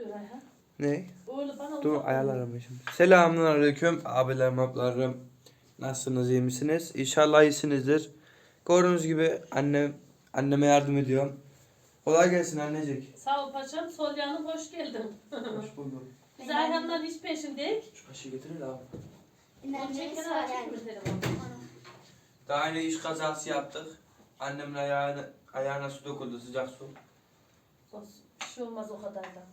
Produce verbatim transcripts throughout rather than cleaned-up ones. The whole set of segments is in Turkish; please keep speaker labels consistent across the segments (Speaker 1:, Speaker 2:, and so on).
Speaker 1: oluyor Ayhan?
Speaker 2: Ne?
Speaker 1: Öyle bana
Speaker 2: Dur
Speaker 1: uzak
Speaker 2: ayarlarım şimdi. Selamünaleyküm abilerim ablalarım. Nasılsınız, iyi misiniz? İnşallah iyisinizdir. Gördüğünüz gibi annem anneme yardım ediyorum. Kolay gelsin annecik.
Speaker 1: Sağ ol paşam. Sol yanım hoş geldin.
Speaker 2: Hoş bulduk.
Speaker 1: Biz Ayhan'dan hiç peşindeyiz.
Speaker 2: Şu kaşığı getirir abi.
Speaker 1: Onu çekene açık mı telefonu?
Speaker 2: Daha yeni iş kazası yaptık. Annemin ayağına, ayağına su döküldü, sıcak su.
Speaker 1: Olsun. Bir şey olmaz o kadar da.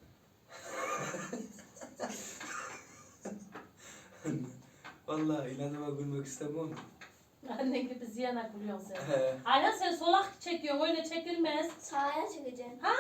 Speaker 2: Vallahi inadıma gülmek istemem.
Speaker 1: Annen gibi ziyana gülüyorsun sen.
Speaker 2: He.
Speaker 1: Ayhan sen solak çekiyorsun. Öyle çekilmez.
Speaker 3: Sağa çekeceğim.
Speaker 1: Ha?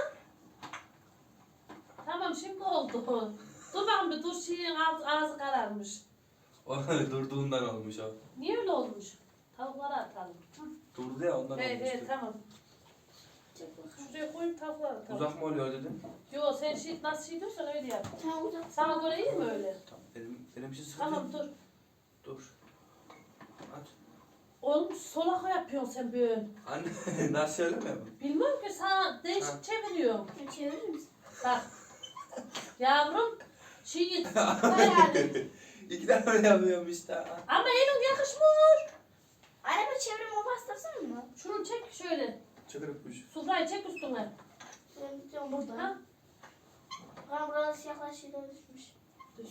Speaker 1: Tamam şimdi oldu. Dur bakayım bir dur şeyin ağzı, ağzı kararmış.
Speaker 2: O durduğundan olmuş o.
Speaker 1: Niye öyle olmuş? Tavukları atalım. Hı.
Speaker 2: Durdu ya ondan
Speaker 1: He
Speaker 2: olmuştu.
Speaker 1: he tamam.
Speaker 3: Çek bakalım.
Speaker 1: Şuraya koyup tavukları atalım.
Speaker 2: Uzak mı oluyor dedim.
Speaker 1: Yo sen şey, nasıl şey diyorsan öyle yap.
Speaker 3: Tamam uzak.
Speaker 1: Sana göre iyi mi öyle?
Speaker 2: Tamam. Benim, benim için sıkıntı
Speaker 1: Tamam
Speaker 2: yok.
Speaker 1: dur.
Speaker 2: Dur. At.
Speaker 1: Oğlum solaka yapıyorsun sen böyle.
Speaker 2: Anne nasıl söylemiyor mu?
Speaker 1: Bilmiyorum ki sana
Speaker 2: Ha.
Speaker 1: değişik çeviriyorum.
Speaker 3: Şunu çevirir misin?
Speaker 1: Bak. Yavrum. Şey
Speaker 3: Hayır.
Speaker 2: İki tane öyle yapıyorum işte.
Speaker 1: ama elin yakışmıyor.
Speaker 3: Araba çevirme o bastırsana mı?
Speaker 1: Şunu çek şöyle.
Speaker 2: Çıkırıkmış.
Speaker 1: Sufrayı çek üstüne.
Speaker 3: Ben gidiyorum burada.
Speaker 1: Ha?
Speaker 3: Ben burada siyahlar şeyler düşmüş.
Speaker 1: Düş.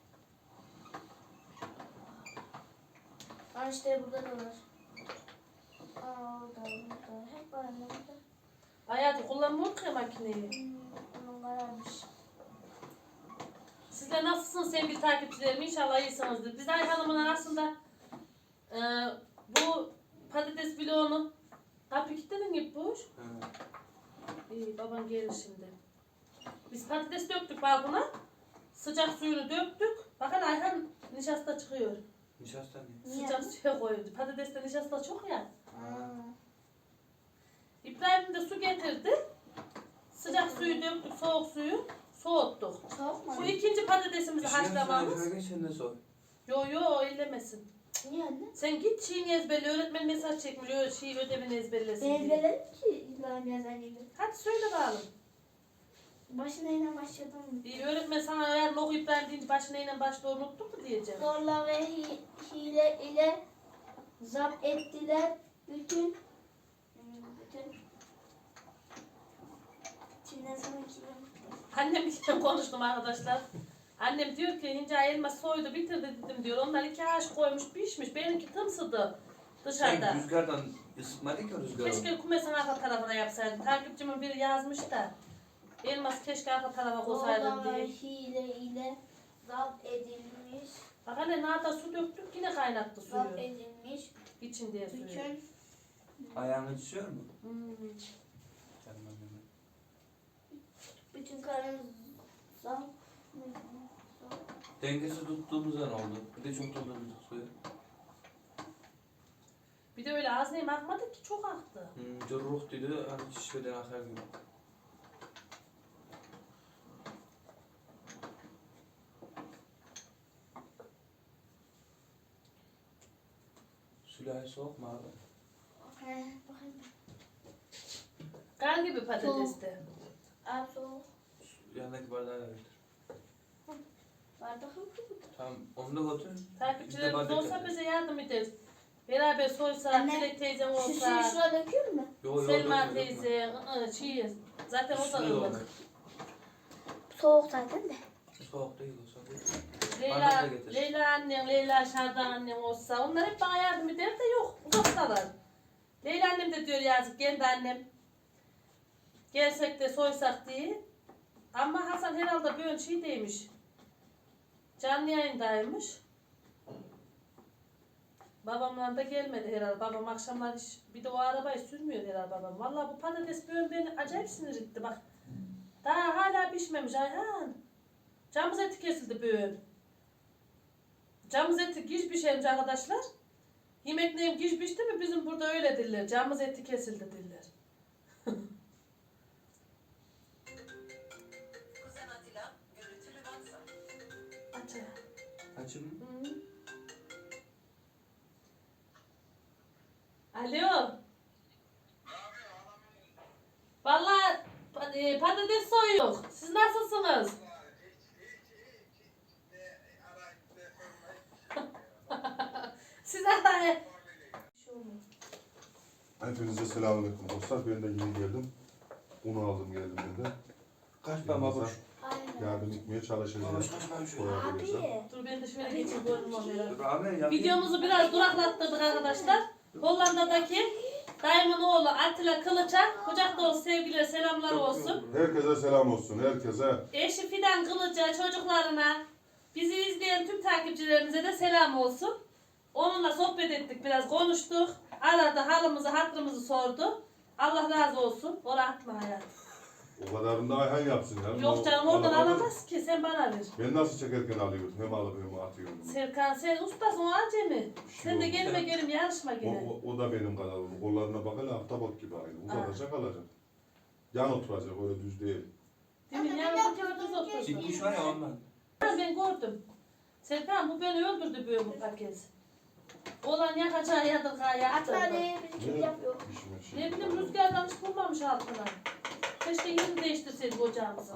Speaker 3: Aa işte burada da var. Aa orada burada. Hep var anne burada.
Speaker 1: Hayatı kullanmıyor ki makineyi.
Speaker 3: Hmm, onun kararmış.
Speaker 1: Sizler nasılsınız sevgili takipçilerim? İnşallah iyisinizdir. Biz Ayhan'ımın aslında e, bu patates bloğunu kapı kilitledin gibi boş. İyi baban gelir şimdi. Biz patates döktük balkona. Sıcak suyunu döktük. Bakın Ayhan nişasta çıkıyor.
Speaker 2: Nişasta ne?
Speaker 3: Niye?
Speaker 1: Sıcak suya koydu. Patateste nişasta çok ya.
Speaker 3: Aa.
Speaker 1: İbrahim de su getirdi. Sıcak suyu döktük, soğuk suyu soğuttuk.
Speaker 3: Soğuk mu?
Speaker 1: Bu ikinci patatesimizi haşlamamız.
Speaker 2: Haşlamamız. Sen de sor.
Speaker 1: Yo yo ellemesin.
Speaker 3: Niye anne?
Speaker 1: Sen git şeyini ezberle. Öğretmen mesaj çekmiş. Öyle şey ödevini ezberlesin
Speaker 3: Ben
Speaker 1: diye.
Speaker 3: ezberledim ki İbrahim yazan gibi.
Speaker 1: Hadi söyle bakalım.
Speaker 3: Başına yine başladım.
Speaker 1: İyi öğretmen sana eğer okuyup verdiğince başına yine başta unuttun mu diyeceğim.
Speaker 3: Zorla ve hi- hile ile zapt ettiler bütün bütün Çin'den sonraki
Speaker 1: Annem ile konuştum arkadaşlar. Annem diyor ki Hinca elma soydu bitirdi dedim diyor. Onlar iki haş koymuş pişmiş. Benimki tımsıdı dışarıda.
Speaker 2: Sen rüzgardan ısıtmadın ki o rüzgarı.
Speaker 1: Keşke kumesin arka tarafına yapsaydım. Takipçimin biri yazmış da. Elmas keşke arka tarafa koysaydım
Speaker 3: Zorla ve
Speaker 1: diye.
Speaker 3: hile ile zapt edilmiş
Speaker 1: Bak anne nata su döktük yine kaynattı
Speaker 3: zapt
Speaker 1: suyu.
Speaker 3: edilmiş
Speaker 1: İçin diye suyu.
Speaker 3: bütün
Speaker 2: Ayağını düşüyor mu?
Speaker 1: Hmm.
Speaker 2: Canım benim.
Speaker 3: bütün karın zapt
Speaker 2: Dengesiz tuttuğumuzdan oldu. Bir de çok doldurduk suyu.
Speaker 1: Bir de öyle az neyim akmadı ki çok aktı.
Speaker 2: Hmm, Corruk dedi, hani şişmeden akar gibi. Sülahı soğuk mu abi?
Speaker 3: He, bakayım.
Speaker 1: Kan gibi patateste.
Speaker 3: Abi soğuk.
Speaker 2: Yanındaki bardağı da getir.
Speaker 3: Bardak yok mu?
Speaker 2: Tamam, onu da götür.
Speaker 1: Takipçilerimiz
Speaker 2: Biz de
Speaker 1: olsa
Speaker 2: bardak
Speaker 1: bize yardım ederiz. Beraber soysa,
Speaker 3: Anne,
Speaker 1: Dilek teyzem
Speaker 3: Şu suyu
Speaker 1: olsa,
Speaker 3: şuraya döküyor mu?
Speaker 2: Yo, yo,
Speaker 1: Selma
Speaker 2: dökme, dökme.
Speaker 1: teyze, ı, şey, zaten o da
Speaker 2: Üstüne de
Speaker 1: ılık.
Speaker 2: olmaz.
Speaker 3: Soğuk zaten de.
Speaker 2: Soğuk değil o soğuk değil.
Speaker 1: Leyla,
Speaker 2: Bardakla getir.
Speaker 1: Leyla annem, Leyla Şardan annem olsa onlar hep bana yardım eder de yok uzaktalar. Leyla annem de diyor yazık kendi annem. Gelsek de soysak diye. Ama Hasan herhalde böyle şey demiş. Canlı yayındaymış. Babamla da gelmedi herhalde. Babam akşamlar hiç, bir de o arabayı sürmüyor herhalde babam. Vallahi bu patates böyle beni acayip sinir etti bak. Daha hala pişmemiş Ayhan. Camız eti kesildi böyle. Camız eti giz pişermiş arkadaşlar. Yemek neyim giz pişti mi bizim burada öyle diller. Camız eti kesildi diller.
Speaker 4: Kuzen Atilla, görüntülü WhatsApp.
Speaker 1: Aç ya.
Speaker 2: Açayım mı?
Speaker 1: Hı. Alo. Vallahi pa- e, patates soyuyor. Siz nasılsınız?
Speaker 5: Hepinize selamünaleyküm dostlar. Ben de yeni geldim. Unu aldım geldim ben de.
Speaker 2: Kaç ben babuş.
Speaker 3: Aynen.
Speaker 5: Yardım etmeye çalışacağız.
Speaker 2: Babuş kaç ben şöyle.
Speaker 5: Koyabilirsem.
Speaker 3: Abi.
Speaker 1: Dur ben de şöyle geçeyim görünüm onlara.
Speaker 2: Dur abi yapayım.
Speaker 1: Videomuzu biraz duraklattırdık arkadaşlar. Hollanda'daki dayımın oğlu Atilla Kılıç'a kucak dolusu sevgiler selamlar olsun.
Speaker 5: Herkese selam olsun. Herkese.
Speaker 1: Eşi Fidan Kılıç'a, çocuklarına, bizi izleyen tüm takipçilerimize de selam olsun. Onunla sohbet ettik, biraz konuştuk. Aradı, halımızı, hatırımızı sordu. Allah razı olsun. O rahat mı hayat?
Speaker 5: O kadarını da Ayhan yapsın ya.
Speaker 1: Yok canım
Speaker 5: O-
Speaker 1: oradan
Speaker 5: bana-
Speaker 1: alamaz ki, sen bana ver.
Speaker 5: Ben nasıl çekerken alıyorum? Hem alıp hem atıyorum.
Speaker 1: Serkan sen ustasın, o acemi.
Speaker 5: Bir şey
Speaker 1: Sen de
Speaker 5: olmaz.
Speaker 1: gelme gelin yarışma
Speaker 5: O,
Speaker 1: gene.
Speaker 5: o, o da benim kanalım. Kollarına bak hele ahtapot gibi aynı. Uzatacak alacak. Yan oturacak öyle düz değil.
Speaker 1: Değil mi?
Speaker 3: Anne,
Speaker 1: Yani
Speaker 3: ben
Speaker 1: bu
Speaker 3: yapıyordum,
Speaker 1: kız otursun.
Speaker 2: Çıkmış var ya ondan.
Speaker 1: Ben gördüm. Serkan bu beni öldürdü böyle bu paket. Olan yakacağı yadırgağı yaktı.
Speaker 3: Atma diye bir kim yapıyor.
Speaker 5: İşime şey.
Speaker 1: Ne bileyim rüzgardan hiç bulmamış altına. Keşke yerini değiştirseydik ocağımızı.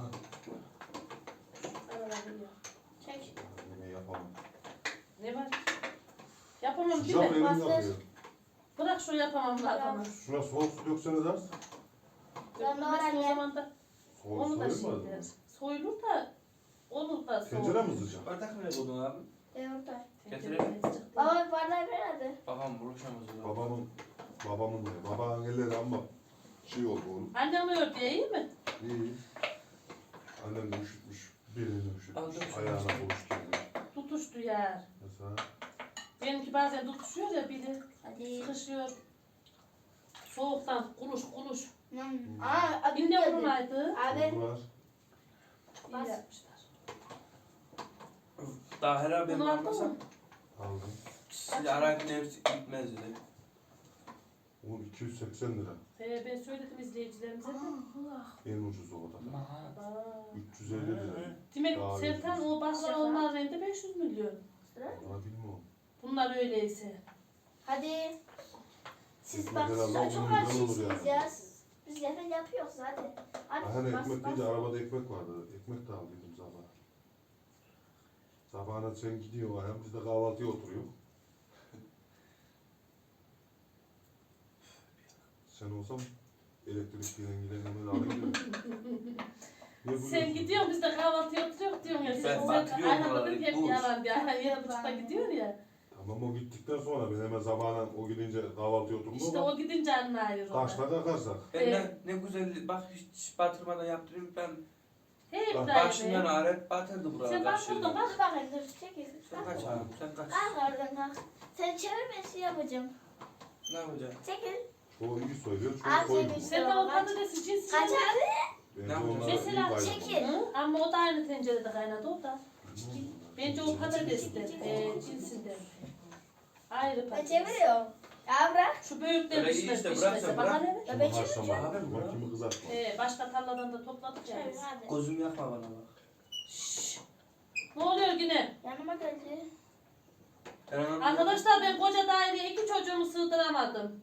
Speaker 3: Çek.
Speaker 5: Ne yapamam.
Speaker 1: Ne var? Yapamam değil
Speaker 5: Sıcak
Speaker 1: mi?
Speaker 5: elim
Speaker 3: Bastır.
Speaker 5: yakıyor.
Speaker 1: Bırak şu yapamam lafını.
Speaker 5: Şuna soğuk su dökseniz az.
Speaker 3: Ben de
Speaker 1: Mesela o
Speaker 3: öğrendim.
Speaker 1: zaman da
Speaker 5: Soğuk
Speaker 1: onu da
Speaker 5: soğuyamaz
Speaker 1: şey der.
Speaker 5: mı?
Speaker 1: Soyulur da onu da soğur.
Speaker 5: Tencere mi sıcak?
Speaker 2: Bardak nereye koydun abi?
Speaker 3: Ben orada.
Speaker 1: Tencereye sıcak
Speaker 3: Baba
Speaker 1: değil.
Speaker 3: bir bardağı ver hadi.
Speaker 2: Babam buluşamaz o zaman.
Speaker 5: Babamın, babamın ne? Babanın elleri ama şey oldu oğlum.
Speaker 1: Annem ördü iyi mi?
Speaker 5: İyi. Annem de üşütmüş. Birini üşütmüş.
Speaker 2: Aldım.
Speaker 5: Ayağına boğuş gelmiş.
Speaker 1: Tutuştu yer.
Speaker 5: Mesela
Speaker 1: Benimki bazen tutuşuyor ya biri.
Speaker 3: Hadi.
Speaker 1: Sıkışıyor. Soğuktan kuluş kuluş.
Speaker 3: Hmm. Aa, adı
Speaker 1: Yine
Speaker 3: geldi.
Speaker 1: vurmaydı.
Speaker 3: Abi.
Speaker 5: oldular.
Speaker 1: İyi
Speaker 3: Bas.
Speaker 1: yapmışlar.
Speaker 2: Daha herhalde ben
Speaker 1: Bunu aldın
Speaker 2: almasam.
Speaker 1: mı?
Speaker 5: Aldım.
Speaker 2: Sizi arayın hepsi gitmezdi.
Speaker 5: O iki yüz seksen lira.
Speaker 1: Ee, ben söyledim izleyicilerimize de.
Speaker 5: En ucuz o da.
Speaker 1: Aa.
Speaker 5: üç yüz elli lira.
Speaker 1: Demek
Speaker 5: Daha
Speaker 1: Serkan
Speaker 5: ucuz.
Speaker 1: o baklavalar rende beş yüz milyon.
Speaker 5: Valla bilmiyorum.
Speaker 1: Bunlar öyleyse.
Speaker 3: Hadi. Siz
Speaker 5: Ekmek
Speaker 3: bak
Speaker 5: herhalde
Speaker 3: çok
Speaker 5: on milyon olur
Speaker 3: açıyorsunuz
Speaker 5: yani.
Speaker 3: ya. Siz- Biz zaten yapıyoruz hadi. Hadi
Speaker 5: Hani
Speaker 3: bas,
Speaker 5: ekmek
Speaker 3: bas.
Speaker 5: deyince arabada ekmek vardı. Ekmek de aldıydım sabah. Sabahına sen gidiyorsun hem biz de kahvaltıya oturuyor. Sen olsam elektrikliyle giden hemen alayım.
Speaker 1: Sen gidiyorsun biz de kahvaltıya oturuyoruz diyorsun ya.
Speaker 2: Ben
Speaker 1: Sen, sen
Speaker 2: batırıyorum
Speaker 1: aynen
Speaker 2: oraları,
Speaker 1: dedim hep
Speaker 2: buz.
Speaker 1: yalan diye. Aynen yedi buçukta gidiyor ya.
Speaker 5: Tamam o gittikten sonra ben hemen sabahına o gidince kahvaltıya oturdum
Speaker 1: İşte
Speaker 5: ama
Speaker 1: o gidince anlayır ona.
Speaker 5: kaçta kalkarsak.
Speaker 2: Ben
Speaker 1: Evet.
Speaker 2: ne, ne güzel bak hiç batırmadan yaptırıyorum ben.
Speaker 1: Hey
Speaker 5: Bak,
Speaker 2: Başından
Speaker 1: İbrahim.
Speaker 2: ağrı batırdı buralar.
Speaker 1: Sen batırdın bak.
Speaker 3: Dur bakayım dur çekil.
Speaker 2: Sen kaç abi sen kaç.
Speaker 3: Kalk oradan kalk. Sen çevir ben şey yapacağım.
Speaker 2: Ne yapacaksın?
Speaker 3: Çekil.
Speaker 5: Çoğu iyi söylüyor, çoğu
Speaker 3: Abi,
Speaker 5: koymuyor.
Speaker 3: sen-
Speaker 1: Sen de o patatesi cinsi.
Speaker 3: Kaç abi?
Speaker 5: Bence
Speaker 2: Ne yapacağız?
Speaker 5: onlar iyi
Speaker 1: Mesela
Speaker 5: bayram.
Speaker 3: çekil.
Speaker 1: Hı? Ama o da aynı tencerede kaynadı o da. Bence o patatestir.
Speaker 3: Çekil.
Speaker 1: E, cinsinden. Ayrı
Speaker 3: Ben
Speaker 1: patates.
Speaker 3: çeviriyorum. Ya bırak.
Speaker 1: Şu büyükler
Speaker 2: Öyle iyi
Speaker 1: pişmez
Speaker 2: işte,
Speaker 1: pişmese.
Speaker 2: bırak sen,
Speaker 1: Bana
Speaker 2: bırak.
Speaker 1: ne?
Speaker 3: Ya
Speaker 5: Kimi
Speaker 3: ben
Speaker 5: haşlama,
Speaker 3: çevireceğim.
Speaker 2: Abi,
Speaker 5: bak kimi kızartma.
Speaker 1: Ee, başka tarladan da topladık ya
Speaker 3: Çevir
Speaker 1: biz.
Speaker 3: hadi.
Speaker 2: Gözüm yakma bana bak.
Speaker 1: Şşş. Ne oluyor yine?
Speaker 3: Yanıma geldi.
Speaker 2: Ben
Speaker 1: Arkadaşlar ben koca daireye iki çocuğumu sığdıramadım.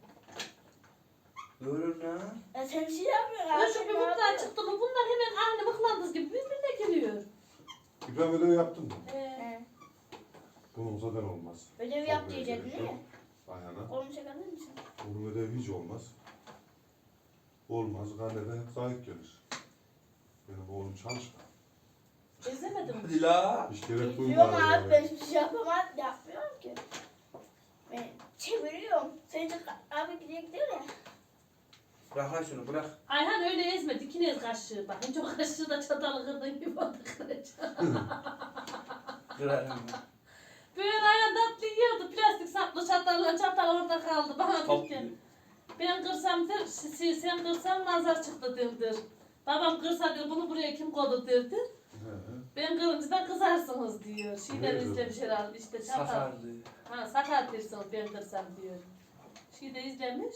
Speaker 2: Görün ha.
Speaker 3: Ya sen şey yapıyorsun.
Speaker 1: Öyle bir mutluğa çıktı mı bunlar hemen aynı mıklandıs gibi birbirine geliyor.
Speaker 5: İbrahim ödevi yaptın mı?
Speaker 1: Ee,
Speaker 3: He.
Speaker 5: Bunun zaten olmaz.
Speaker 3: Ödevi
Speaker 5: Çok
Speaker 3: yap
Speaker 5: böyle
Speaker 3: diyecektin
Speaker 5: şey
Speaker 3: değil
Speaker 5: yok.
Speaker 3: mi?
Speaker 5: Ayhan'a.
Speaker 3: Kolunu çekebilir misin?
Speaker 5: Bunun ödevi hiç olmaz. Olmaz. Karneden hep zayıf gelir. Benim oğlum çalışma.
Speaker 1: ezemedim.
Speaker 2: Hadi la.
Speaker 5: Hiç gerek
Speaker 3: Biliyorum
Speaker 5: duymadı.
Speaker 3: abi ben hiçbir şey yapamam. Yapmıyorum ki. Ben çeviriyorum. Sen de abi gidiyor gidiyor ya.
Speaker 2: Bırak lan şunu bırak.
Speaker 1: Ayhan öyle ezme dikine ez kaşığı bak. Hiç o kaşığı da çatalı kırdın gibi oldu kıracağım.
Speaker 2: Kırarım.
Speaker 1: Böyle Ayhan tatlı yiyordu. Plastik saplı çatalla çatal orada kaldı. Bana
Speaker 2: Top.
Speaker 1: dedi ki, ben kırsam der, si- sen kırsan nazar çıktı derdir. Babam kırsa der bunu buraya kim koydu derdi.
Speaker 5: He he.
Speaker 1: Ben kırınca da kızarsınız diyor. Şeyden
Speaker 5: Ne
Speaker 1: izlemiş herhalde işte çatal.
Speaker 2: Sakardı.
Speaker 1: Ha sakat diyorsunuz ben kırsam diyor. Şeyde izlemiş.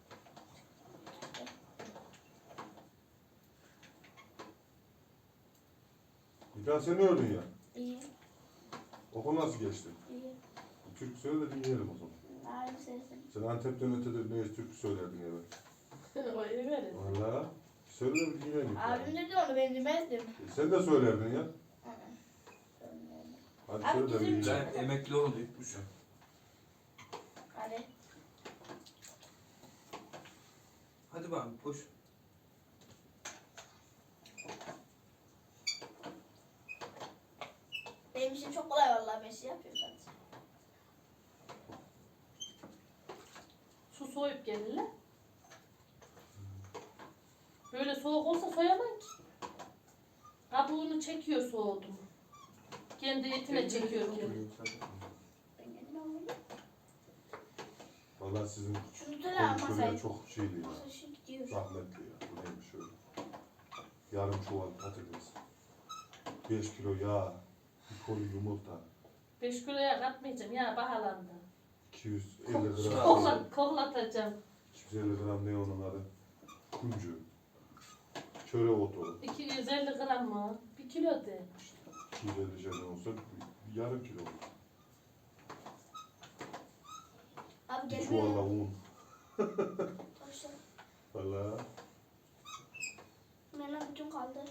Speaker 5: İbrahim sen ne ördün ya?
Speaker 3: İyi.
Speaker 5: Okul nasıl geçti?
Speaker 3: İyi.
Speaker 5: Türk söyle de dinleyelim o zaman.
Speaker 3: Abi sensin.
Speaker 5: Sen Antep'ten ötedir neyse Türk söylerdin evet.
Speaker 1: O iyi verir.
Speaker 5: Valla. Söyle de bir dinleyelim.
Speaker 3: Abim dedi onu ben demezdim.
Speaker 5: E, Sen de söylerdin ya. Hadi
Speaker 3: Abi
Speaker 5: söyle de bir
Speaker 3: bizim
Speaker 5: dinleyelim.
Speaker 2: Ben emekli oldu. Yutmuş.
Speaker 3: Hadi.
Speaker 2: Hadi bakalım koş.
Speaker 3: Benim için çok kolay vallahi, ben şey yapıyorum sadece.
Speaker 1: Su soyup gelirler. Böyle soğuk olsa soyamam ki. Kabuğunu çekiyor soğudu mu. Kendi etine çekiyor kendi.
Speaker 3: Ben kendim alayım.
Speaker 5: Valla sizin
Speaker 3: Şunu da
Speaker 5: kontrolü
Speaker 3: masayı.
Speaker 5: çok şeydi ya.
Speaker 3: Masa şu gidiyor.
Speaker 5: Zahmetli ya. Bu neymiş öyle. Yarım çuval patates. beş kilo yağ. Bir koli yumurta.
Speaker 1: Beş kiloya katmayacağım ya, bahalandı.
Speaker 5: iki yüz elli gram.
Speaker 1: Koklat, koklatacağım.
Speaker 5: iki yüz elli gram ne onun adı? Kuncu. Çöre otu.
Speaker 1: iki yüz elli gram mı? Bir kilo de.
Speaker 5: iki yüz elli şeyden olsa bir yarım kilo olur.
Speaker 3: Abi
Speaker 5: Bir
Speaker 3: gel
Speaker 5: çuvalla
Speaker 3: buraya.
Speaker 5: un.
Speaker 3: Taşla.
Speaker 5: Valla.
Speaker 3: Bana bütün kaldı.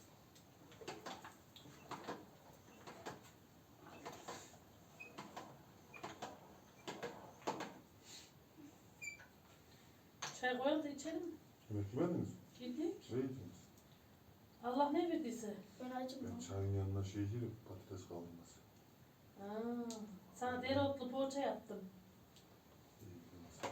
Speaker 1: Çay koyalım da içelim mi?
Speaker 5: Yemek yemediniz mi?
Speaker 1: Yedik.
Speaker 5: Ne yediniz?
Speaker 1: Allah ne verdiyse.
Speaker 3: Ben acımıyorum.
Speaker 5: Ben çayın yanına şey yerim. Patates kavurması.
Speaker 1: Aa, sana dereotlu poğaça yaptım.
Speaker 5: İyi bilmez.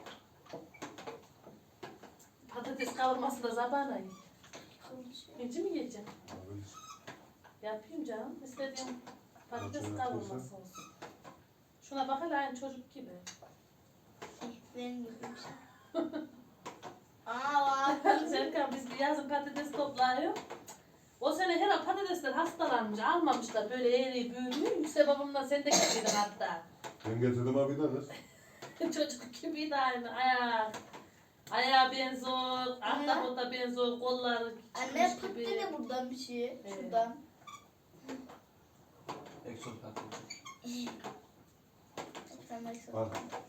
Speaker 1: Patates kavurması da zabana ye.
Speaker 3: Kıvırcık.
Speaker 1: Hiç mi yiyeceğim?
Speaker 5: Olabilir.
Speaker 1: Yapayım canım. İstediğim patates
Speaker 5: Nasıl
Speaker 1: kavurması
Speaker 5: yapıyorsun?
Speaker 1: olsun. Şuna bak hele, aynı çocuk gibi.
Speaker 3: Benim gibi bir şey. Aa var.
Speaker 1: Serkan, biz bir yazın patates toplayıyor. O sene her patatesler hastalanmış, almamışlar böyle eğri büyüdü. Yüksel babamdan sen de getirdin hatta.
Speaker 5: Ben getirdim abi de kız.
Speaker 1: Çocuk gibiydi aynı, ayak. Ayağı benziyor, ahtapota benziyor, kolları
Speaker 3: Anne
Speaker 1: çıkmış
Speaker 3: pıt
Speaker 1: gibi.
Speaker 3: dedi buradan bir şey.
Speaker 1: Evet.
Speaker 3: Şuradan.
Speaker 2: Ekson patates.
Speaker 3: Sen bak sen.
Speaker 5: Al.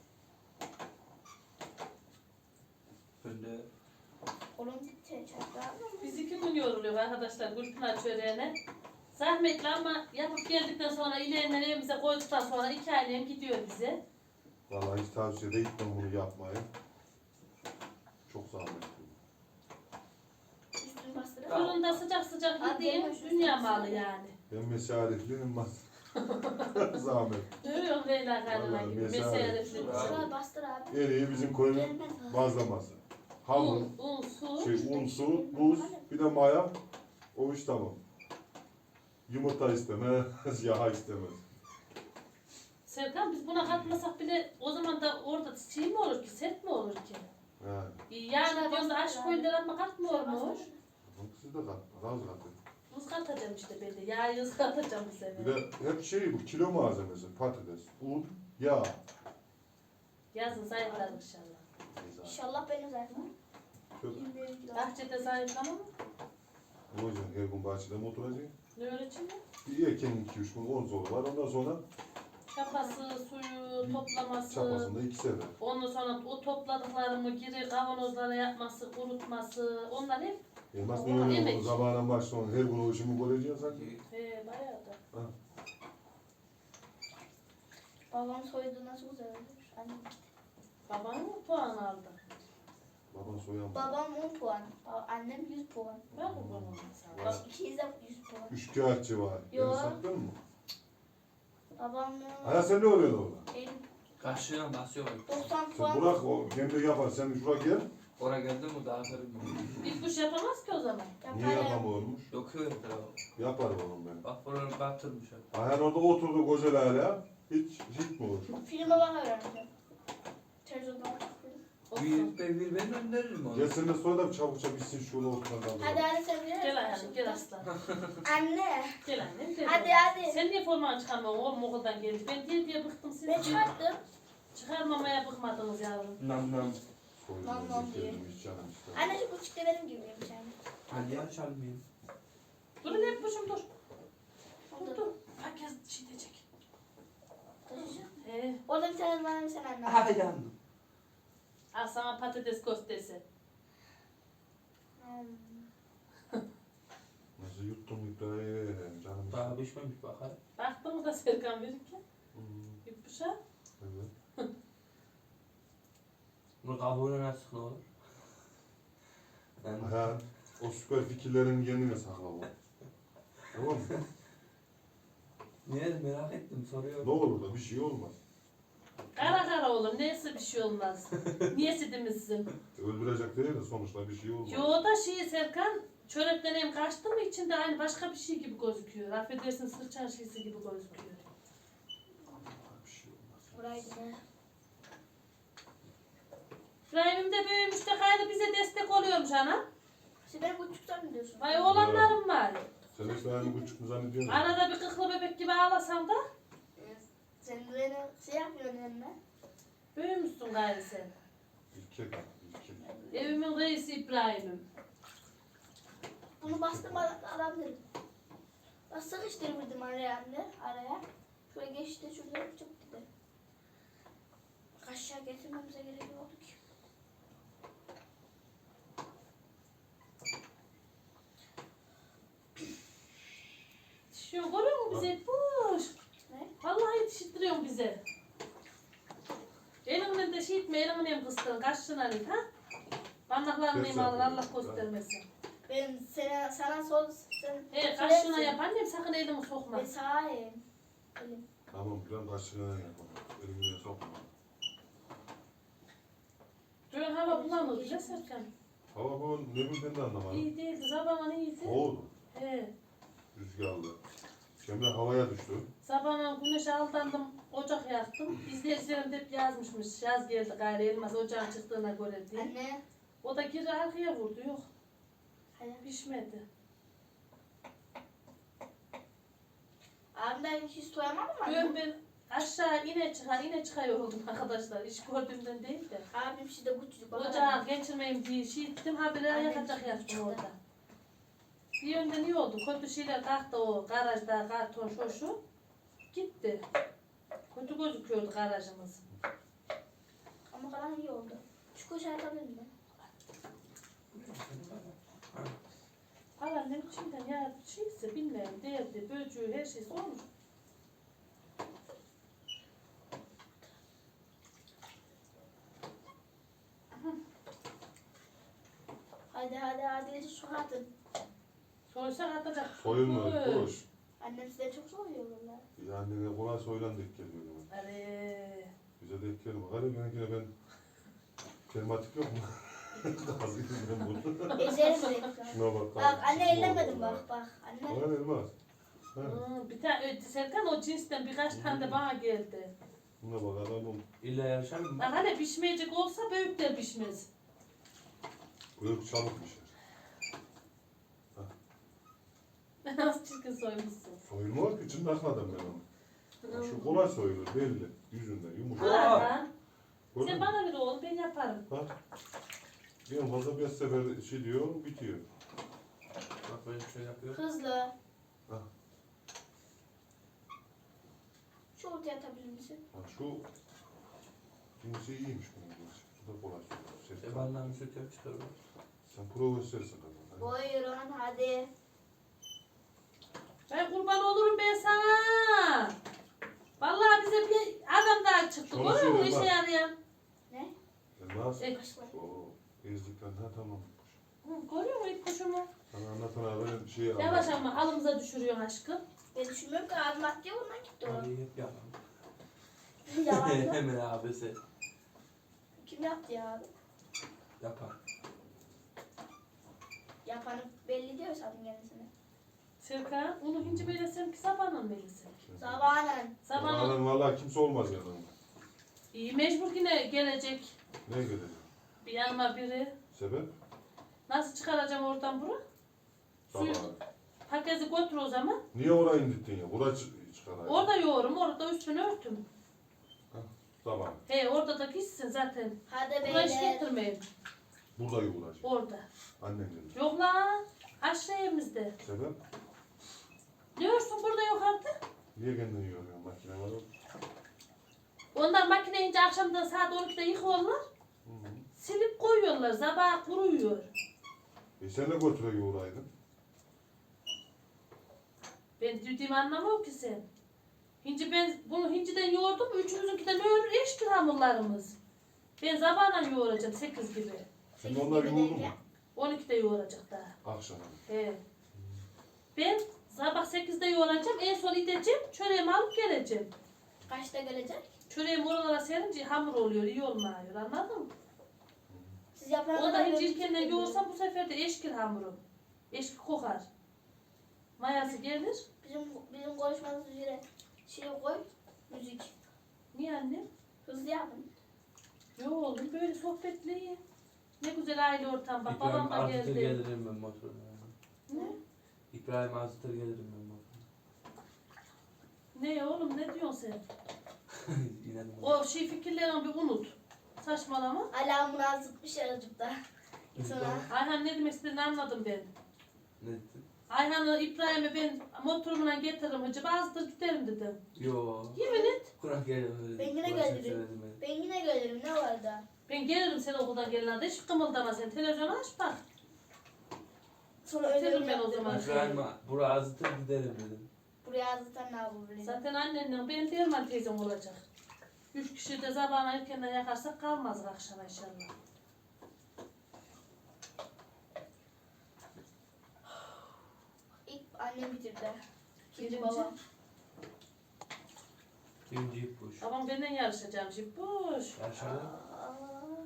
Speaker 2: Ben de
Speaker 3: Oğlum gitti çocuklar.
Speaker 1: Biz iki gün yoruluyor arkadaşlar Gülpınar çöreğine. Zahmetli ama yapıp geldikten sonra ileğinden evimize koyduktan sonra iki ailem gidiyor bize.
Speaker 5: Vallahi hiç tavsiye de etmem bunu yapmayı. Çok zahmetli.
Speaker 3: Üstünü bastırıp.
Speaker 1: Fırında sıcak sıcak
Speaker 3: Hadi
Speaker 1: yediğim
Speaker 3: yavaş,
Speaker 1: dünya
Speaker 3: yavaş.
Speaker 1: malı yani.
Speaker 5: Ben mesaretliyim bas. Zahmet.
Speaker 1: Görüyorum Leyla Hanım'a
Speaker 5: Vallahi
Speaker 1: gibi
Speaker 5: mesela-
Speaker 1: meselesi.
Speaker 3: Şuraya bastır abi.
Speaker 5: En iyi bizim koyun
Speaker 3: Gelmez abi.
Speaker 5: bazlaması. Hamur,
Speaker 1: Un, un, su.
Speaker 5: şey, un, su, buz, bir de maya. O iş tamam. Yumurta istemez, yağ istemez.
Speaker 1: Serkan, biz buna katmasak bile o zaman da orada şey mi olur ki, sert mi olur ki?
Speaker 5: He.
Speaker 1: Yani diyoruz da aşk koyunlar ama katmıyormuş.
Speaker 5: Siz de katma, az katın.
Speaker 1: Buz katacağım işte ben de. Yağı yuz katacağım bu sefer.
Speaker 5: Bir de hep şey bu, kilo malzemesi, patates, un, yağ.
Speaker 1: Yazın zayıflar inşallah.
Speaker 3: İnşallah benim zaten.
Speaker 5: Çok
Speaker 3: yirmi bir kilo.
Speaker 1: Bahçede zayıflama mı?
Speaker 5: olacak, her gün bahçede mi oturacaksın?
Speaker 1: Ne öğreteyim mi?
Speaker 5: Bir erkenin iki üç gün on zoru var, ondan sonra
Speaker 1: Çapası, suyu, toplaması.
Speaker 5: çapasında iki sefer.
Speaker 1: Ondan sonra o topladıklarımı geri kavanozlara yapması, kurutması. Onlar hep
Speaker 5: Elmas
Speaker 1: O
Speaker 5: ne öyle
Speaker 1: yemek.
Speaker 5: olur, zamanla başla her gün o işimi göreceksin sanki.
Speaker 1: he, bayağı da.
Speaker 3: Babam soydu nasıl güzel olmuş. Annem.
Speaker 1: Baban mı puan aldı?
Speaker 5: Baban soyan baba.
Speaker 3: Babam on puan. Ba- Annem yüz puan.
Speaker 1: Ben mi bunu sana?
Speaker 5: Var.
Speaker 3: İkiniz de yüz puan.
Speaker 5: Üçkağıtçı var.
Speaker 3: Yo.
Speaker 5: Beni sattın mı?
Speaker 3: Babamın
Speaker 5: Hala sen ne oluyorsun orada?
Speaker 3: benim
Speaker 2: karşıya basıyor.
Speaker 3: doksan
Speaker 5: Sen
Speaker 3: puan.
Speaker 5: bırak o kendi yapar. Sen şuraya gel.
Speaker 2: Oraya geldi mi dağıtırım.
Speaker 1: Bir kuş yapamaz ki o zaman.
Speaker 5: Niye
Speaker 3: Yaparım.
Speaker 5: yapamıyormuş?
Speaker 2: Dokuyor etrafı.
Speaker 5: Yapar oğlum ben.
Speaker 2: Bak buraları batırmış. hep.
Speaker 5: Ayhan orada oturdu koca hala. Hiç hiç mi olur?
Speaker 3: Filme bak öğreneceğim. Televizyonda bakıyorum.
Speaker 1: Olsun.
Speaker 2: Bir, ben, bir ben önderirim onu.
Speaker 5: Gel sen de sonra da çabuk çabuk bitsin şurada oturma kaldı.
Speaker 3: Hadi hadi sen bilir
Speaker 1: Gel
Speaker 3: misin?
Speaker 1: ayağım, gel aslan.
Speaker 3: Anne.
Speaker 1: Gel annem, gel.
Speaker 3: Hadi hadi.
Speaker 1: Sen niye formanı çıkarmıyorsun oğlum okuldan gelince? Ben diye diye bıktım siz.
Speaker 3: Ben çıkarttım.
Speaker 1: Çıkarmamaya bıkmadınız yavrum.
Speaker 2: Nam nam.
Speaker 5: Soyunu
Speaker 3: Lan lan diye.
Speaker 5: getirdim, hiç canım istemedi.
Speaker 3: Anne şu küçük de benim gibiymiş yani.
Speaker 2: Hadi ya çalmayayım.
Speaker 1: Dur ne yapmışım dur. Dur dur. Herkes şey diyecek. He.
Speaker 3: Orada bir tane bana bir sen anne.
Speaker 2: Aha yandım.
Speaker 1: Al sana patates köftesi.
Speaker 3: Hmm.
Speaker 5: Nasıl yuttum İbrahim canım.
Speaker 2: Daha
Speaker 5: istemedi.
Speaker 2: pişmemiş bakar.
Speaker 1: Baktın mı da Serkan verirken?
Speaker 5: Hmm,
Speaker 1: Yutmuşa.
Speaker 5: evet.
Speaker 2: Bunu kabuğuna nasıl ne olur? Yani,
Speaker 5: Ha, o süper fikirlerin kendine sakla bu. Tamam mı?
Speaker 2: niye merak ettim soruyorum.
Speaker 5: Ne olur da bir şey olmaz.
Speaker 1: Kara kara olur. Neyse bir şey olmaz. Niyesi demizsin.
Speaker 5: Öldürecek değil de sonuçta bir şey olmaz.
Speaker 1: Yo da şey Serkan çörekten hem kaçtı mı içinde aynı başka bir şey gibi gözüküyor. Affedersin sırçan şeysi gibi gözüküyor.
Speaker 5: Bir şey olmaz.
Speaker 3: Buraydı ne?
Speaker 1: İbrahim'im de büyümüş de gayrı bize destek oluyormuş ana.
Speaker 3: Sen beni buçuktan mı diyorsun?
Speaker 1: Vay oğlanlarım var.
Speaker 5: Sen işte aynı buçuk mu zannediyorsun?
Speaker 1: Arada bir kıklı bebek gibi ağlasam da
Speaker 3: Sen beni şey yapmıyorsun yanına.
Speaker 1: büyümüşsün gayrı sen.
Speaker 5: İlke kalk, ilke.
Speaker 1: Evimin reisi İbrahim'im.
Speaker 3: Bunu bastım alabilirim. Bak sıkıştırırdım araya anne, araya. Şöyle geçti, şurada çok dedi. Aşağı getirmemize gerek yoktu ki.
Speaker 1: Yetişiyor görüyor musun bize? Boş.
Speaker 3: Ne?
Speaker 1: Vallahi yetiştiriyorsun bize. Elimden de şey etme, elimden hem kıstırın. Kaçtın Ali ha? Parmaklarını
Speaker 5: Kes
Speaker 1: imanlı
Speaker 5: yapıyorum.
Speaker 1: Allah göstermesin.
Speaker 3: Ben sana, sana sol... Sen,
Speaker 1: He kaçtığına yap annem sakın elimi sokma.
Speaker 3: Ben sağayım. Elim.
Speaker 5: Tamam, biraz kaşığına yapalım. Elimine sokma.
Speaker 1: Dün hava bulanır bile Serkan.
Speaker 5: Hava bu ne bildiğini de anlamadım.
Speaker 1: İyi değildi, sabahın iyiydi.
Speaker 5: Soğudu,
Speaker 1: He.
Speaker 5: rüzgarlı. Cemre havaya düştü.
Speaker 1: Sabahın güneşe aldandım, ocak yaktım. İzleyicilerim de hep yazmışmış. Yaz geldi gayrı elmas ocağın çıktığına göre diye.
Speaker 3: Anne.
Speaker 1: O da geri arkaya vurdu, yok
Speaker 3: Hadi.
Speaker 1: pişmedi.
Speaker 3: Abimden hiç soyamadım mı
Speaker 1: Ben
Speaker 3: anne?
Speaker 1: ben aşağı ine çıkar ine çıkıyor oldum arkadaşlar. İş gördüğümden değil de.
Speaker 3: Abim şimdi küçücük. bak
Speaker 1: Ocağı
Speaker 3: anne.
Speaker 1: geçirmeyeyim diye şey ettim. Habire
Speaker 3: Annem
Speaker 1: yakacak
Speaker 3: çıktı,
Speaker 1: yattım
Speaker 3: çıktı.
Speaker 1: orada. Bir yönden iyi oldu. Kötü şeyler kalktı o garajda karton şu şu. Gitti. Kötü gözüküyordu garajımız.
Speaker 3: Ama kalan iyi oldu. Şu koşu yapabilir mi?
Speaker 1: Alan ne biçimden ya şeyse bilmiyorum derdi, böcüğü her şeysi olmuş.
Speaker 3: Hadi hadi hadi şu atın.
Speaker 1: Soysak atacak.
Speaker 5: Soyulma,
Speaker 1: Oy.
Speaker 5: koş.
Speaker 3: Annem size çok soruyor valla.
Speaker 5: Yani ne kolay soyulan denk geliyor. Yani.
Speaker 1: Hadi.
Speaker 5: Bize denk gelmiyor. Hadi benimkine ben... Kelmatik yok mu? Gazı yüzünden vurdu.
Speaker 3: Ezerim direkt.
Speaker 5: Şuna bak.
Speaker 3: Bak anne
Speaker 5: Çıkma
Speaker 3: ellemedim
Speaker 5: oldu
Speaker 3: bak bak.
Speaker 5: ya.
Speaker 3: Anne.
Speaker 5: Bana elmaz. Ha.
Speaker 1: Hmm, bir tane Serkan o cinsten birkaç tane de bana geldi.
Speaker 5: Buna bak adamım.
Speaker 2: İlla yaşar mı?
Speaker 1: Bak hani pişmeyecek olsa büyükler pişmez.
Speaker 5: Büyük çabuk pişer.
Speaker 1: Nasıl çirkin soymuşsun.
Speaker 5: Soyulmuyor ki içinde akladım ben onu. Şu kolay soyulur belli. Yüzünden yumuşak.
Speaker 1: Ulan lan.
Speaker 5: Gördün
Speaker 1: Sen
Speaker 5: mü?
Speaker 1: bana ver oğlum ben yaparım.
Speaker 5: Bak. Bir fazla beş sefer şey diyor bitiyor.
Speaker 2: Bak böyle bir şey yapıyor.
Speaker 3: Hızlı.
Speaker 5: Ha.
Speaker 3: Şu ortaya atabilir misin?
Speaker 5: Ha, şu cinsi iyiymiş bunun cinsi. Bu da kolay soyulur. Sen,
Speaker 2: Ebandan bir süt yap çıkarıyor.
Speaker 5: sen profesörsün kadın.
Speaker 3: Buyurun hadi.
Speaker 1: Ben kurban olurum ben sana. Vallahi bize bir adam daha çıktı.
Speaker 5: Şöyle
Speaker 1: Görüyor musun
Speaker 5: söyle
Speaker 1: işe
Speaker 5: bak.
Speaker 1: yarayan?
Speaker 3: Ne?
Speaker 5: Elmas.
Speaker 1: E,
Speaker 3: Kaşlar.
Speaker 5: Oo, ezdikten ha tamam.
Speaker 1: Hı, görüyor musun ilk kuşumu?
Speaker 5: Sana anlatan abi şey
Speaker 1: Yavaş ama halımıza düşürüyorsun aşkım.
Speaker 3: Ben düşünmüyorum ki abim attı ya ondan gitti o.
Speaker 2: Hadi hep yapalım.
Speaker 3: Yalan mı?
Speaker 2: Hemen abisi
Speaker 3: Kim yaptı ya abi?
Speaker 2: yapar.
Speaker 3: Yapanı belli diyor zaten kendisine.
Speaker 1: Serkan, onu hinci belesem ki sabahın belesem.
Speaker 3: Sabahın.
Speaker 1: Sabahın
Speaker 5: Sabahın valla kimse olmaz yanında.
Speaker 1: iyi mecbur yine gelecek
Speaker 5: Ne gelecek?
Speaker 1: bir yanıma biri.
Speaker 5: Sebep?
Speaker 1: Nasıl çıkaracağım oradan bunu? Suyu
Speaker 5: Sabah.
Speaker 1: paketi götür o zaman.
Speaker 5: Niye orayı indirdin ya? Buraya çı- çıkarayım.
Speaker 1: Orada yoğurum, orada üstünü örtüm.
Speaker 5: Sabah.
Speaker 1: He orada da gitsin zaten.
Speaker 3: Hadi
Speaker 1: Buraya iş
Speaker 3: beyler.
Speaker 1: getirmeyin.
Speaker 5: Burada yoğuracak.
Speaker 1: Orada.
Speaker 5: Annen gelecek.
Speaker 1: Yok lan. Aşağı evimizde.
Speaker 5: Sebep?
Speaker 1: Ne örsün burada yok artık.
Speaker 5: Niye kendini yoruyorsun makine var o?
Speaker 1: Onlar makine ince akşamdan saat on ikide yıkıyorlar.
Speaker 5: Hı hı.
Speaker 1: Silip koyuyorlar. Sabah kuruyor.
Speaker 5: E sen de götüre yoğuraydın.
Speaker 1: Ben dediğimi anlamam ki sen. Hinci ben bunu hinciden yoğurdum. Üçümüzünkinden yoğurur eşkil hamurlarımız. Ben sabahla yoğuracağım sekiz gibi.
Speaker 5: Şimdi onlar yoğurdu mu?
Speaker 1: on ikide yoğuracak daha.
Speaker 5: Akşam.
Speaker 1: He. Ben sabah sekizde yoğuracağım. En son gideceğim. Çöreğimi alıp geleceğim.
Speaker 3: Kaçta gelecek?
Speaker 1: Çöreğimi oralara serince hamur oluyor. iyi olmuyor. Anladın mı?
Speaker 3: Siz yapana
Speaker 1: O da
Speaker 3: kadar
Speaker 1: hiç
Speaker 3: böyle
Speaker 1: ilkenden
Speaker 3: çıkıyor.
Speaker 1: yoğursam bu sefer de eşkil hamuru. Eşkil kokar. Mayası gelir.
Speaker 3: Bizim bizim konuşmamız üzere şey koy. Müzik.
Speaker 1: Niye annem?
Speaker 3: Hızlı yapın.
Speaker 1: Yo oğlum böyle sohbetli. Ne güzel aile ortam bak. Babam
Speaker 2: İbrahim
Speaker 1: da
Speaker 2: Azıtır
Speaker 1: geldi.
Speaker 2: gelirim ben motoruna.
Speaker 1: Ne?
Speaker 2: İbrahim Azıtır gelirim ben motoruna.
Speaker 1: Ne oğlum ne diyorsun sen?
Speaker 2: İnanın.
Speaker 1: O şey fikirlerini bir unut. Saçmalama.
Speaker 3: Alarmını azıtmış aracıkta. Sonra
Speaker 1: Ayhan ne demek istediğini anladım ben.
Speaker 2: Ne dedin?
Speaker 1: Ayhan'ı İbrahim'e ben motorumla getiririm hacı. Bazıdır giderim dedim.
Speaker 2: Yo.
Speaker 1: Yemin et.
Speaker 2: Kurak gelirim öyle.
Speaker 3: Ben yine
Speaker 2: Kurak
Speaker 3: gelirim.
Speaker 2: söyledim ben.
Speaker 3: ben yine gelirim ne var da?
Speaker 1: Ben gelirim sen okuldan gelince. Hiç kımıldama sen. Televizyonu aç bak.
Speaker 3: Sonra öyle
Speaker 1: Bitiririm ben o
Speaker 3: yaptım.
Speaker 1: zaman.
Speaker 2: İbrahim buraya Azıtır giderim dedim.
Speaker 3: Buraya azıtan ne yapabilirim?
Speaker 1: Zaten annenle ben Derman teyzem olacak. Üç kişi de sabahına erkenden yakarsak kalmaz akşama inşallah.
Speaker 3: İlk annem bitirdi. İkinci
Speaker 1: Birinci.
Speaker 3: babam.
Speaker 2: Birinci ipuç.
Speaker 1: Babam benden yarışacağım şimdi. Boş.
Speaker 2: Yaşadı.
Speaker 3: Aa.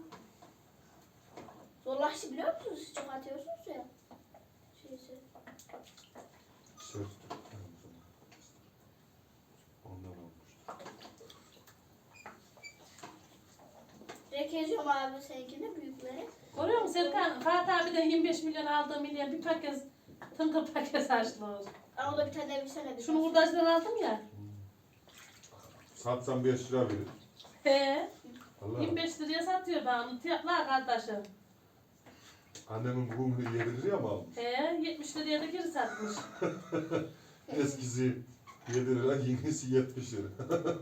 Speaker 3: Zorlaştı biliyor musunuz? Siz çok atıyorsunuz ya. Şeysi.
Speaker 5: Söz. Ondan olmuş.
Speaker 3: Direkt yazıyorum abi seninkinde büyükleri.
Speaker 1: Görüyor musun Serkan? Fatih abiden yirmi beş milyon aldığı milyon bir paket tıngır paket açtılar.
Speaker 3: Ama o da bir tane bir sene bir.
Speaker 1: Şunu hurdacıdan aldım ya.
Speaker 5: Satsam beş lira verir.
Speaker 1: He.
Speaker 5: Allah.
Speaker 1: yirmi beş liraya satıyor bana. Tiyatlar kardeşim.
Speaker 5: Annemin bugün yedi liraya mı almış?
Speaker 1: He. yetmiş liraya da geri satmış.
Speaker 5: Eskisi yedi lira, yenisi yetmiş lira.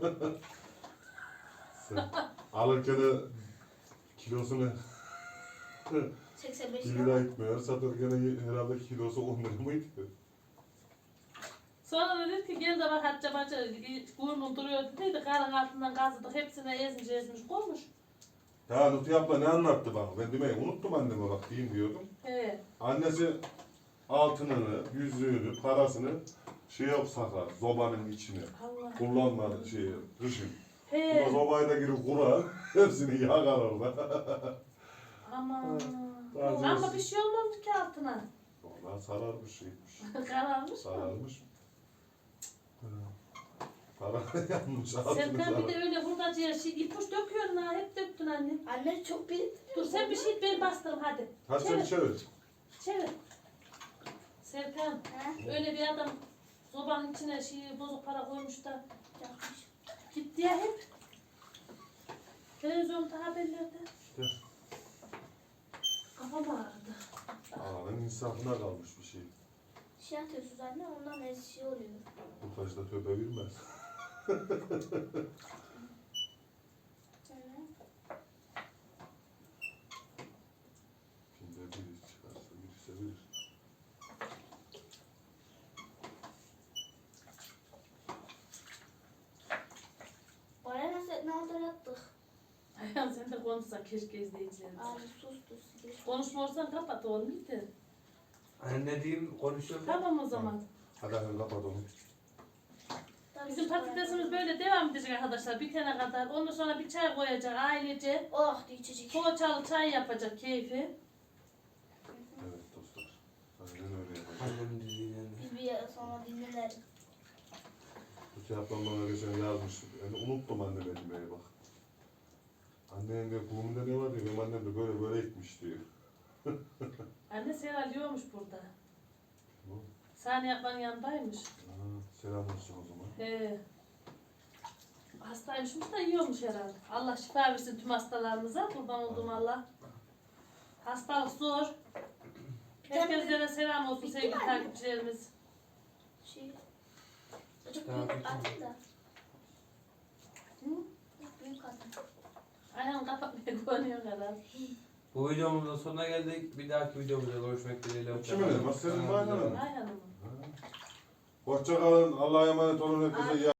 Speaker 5: Sen alırken de kilosunu
Speaker 3: seksen beş
Speaker 5: bir
Speaker 3: lira.
Speaker 5: lira gitmiyor. Satırken herhalde kilosu on lira mıydı?
Speaker 1: Sonra da dedi ki gel de bak Hatice bacı burnun duruyor dediydi. Karın altından kazıdık hepsine ezmiş ezmiş koymuş.
Speaker 5: Ya Nuti abla ne anlattı bana? Ben demeyi unuttum anneme bak diyeyim diyordum.
Speaker 1: He.
Speaker 5: Annesi altınını, yüzüğünü, parasını şeye sakar, zobanın içine.
Speaker 1: Allah.
Speaker 5: Kullanmadı şeyi, kışın. Buna
Speaker 1: He.
Speaker 5: zobayı da girip kurar, hepsini yakar orada.
Speaker 1: Aman.
Speaker 5: Bazı-
Speaker 1: Ama bir şey olmamış ki altına.
Speaker 5: Ondan sararmış şeymiş.
Speaker 1: Kararmış mı?
Speaker 5: Sararmış. Hı. Para yanmış, altını
Speaker 1: Serkan bir
Speaker 5: sarar.
Speaker 1: de öyle hurdacıya şey ipuç döküyorsun ha. Hep döktün anne.
Speaker 3: Anne çok bir.
Speaker 1: Dur sen bir şey ben bastırım hadi.
Speaker 5: Hadi sen
Speaker 1: Çevir.
Speaker 5: çevir.
Speaker 1: Çevir. Serkan
Speaker 3: He?
Speaker 1: öyle bir adam sobanın içine şey bozuk para koymuş da
Speaker 3: Yapmış.
Speaker 1: gitti ya hep. Televizyonda haberlerde.
Speaker 5: İşte
Speaker 1: Kafam ağrıdı.
Speaker 5: ağanın insafına kalmış bir şey.
Speaker 3: Şey atıyorsunuz anne ondan ne şey oluyor.
Speaker 5: Bu taşta töpe bilmez.
Speaker 3: Evet.
Speaker 5: Şimdi biri çıkarsa birisi bilir.
Speaker 3: Bana nasıl ne oldu yaptık.
Speaker 1: Ayhan sen de konuşsan keşke izleyicilerimiz.
Speaker 3: Abi sustu. Siz
Speaker 1: Konuşmuyorsan kapat oğlum gitti.
Speaker 2: Hani ne diyeyim konuşuyorum.
Speaker 1: Tamam o zaman.
Speaker 5: Hadi hadi kapat onu.
Speaker 1: Bizim patatesimiz böyle devam edecek arkadaşlar bitene kadar. Ondan sonra bir çay koyacak ailece.
Speaker 3: Oh diye içecek.
Speaker 1: Poğaçalı çay yapacak keyfi.
Speaker 5: Evet dostlar. Aynen öyle yapalım.
Speaker 2: Annemin dediğinden de.
Speaker 3: Biz bir yer sonra dinlenelim.
Speaker 5: Nuti ablam bana geçen yazmış. Yani unuttum anneme demeyi bak. Annenin de kumunda ne var diyor. Benim annem de böyle böyle ekmiş diyor.
Speaker 1: Anne Seral yiyormuş burada.
Speaker 5: Bu.
Speaker 1: Saniye ablanın yanındaymış.
Speaker 5: Ha, selam olsun o zaman.
Speaker 1: He. Hastaymışmış da yiyormuş herhalde. Allah şifa versin tüm hastalarımıza. Kurban olduğum Allah. Hastalık zor. Herkese de selam olsun
Speaker 3: Bitti
Speaker 1: sevgili
Speaker 3: mi anne?
Speaker 1: takipçilerimiz.
Speaker 3: Şey. Çok
Speaker 2: Tamam,
Speaker 3: büyük
Speaker 2: bitti mi?
Speaker 3: atın da.
Speaker 1: Hı?
Speaker 3: Büyük atın.
Speaker 1: Ayağını kapatmaya konuyor herhalde.
Speaker 2: Bu videomuzun sonuna geldik. Bir dahaki videomuzda görüşmek dileğiyle.
Speaker 5: Kimin elmas? Senin mi, Ayhan'ın mı?
Speaker 1: Ayhan'ın mı?
Speaker 5: Hoşça kalın. Allah'a emanet olun. Herkese iyi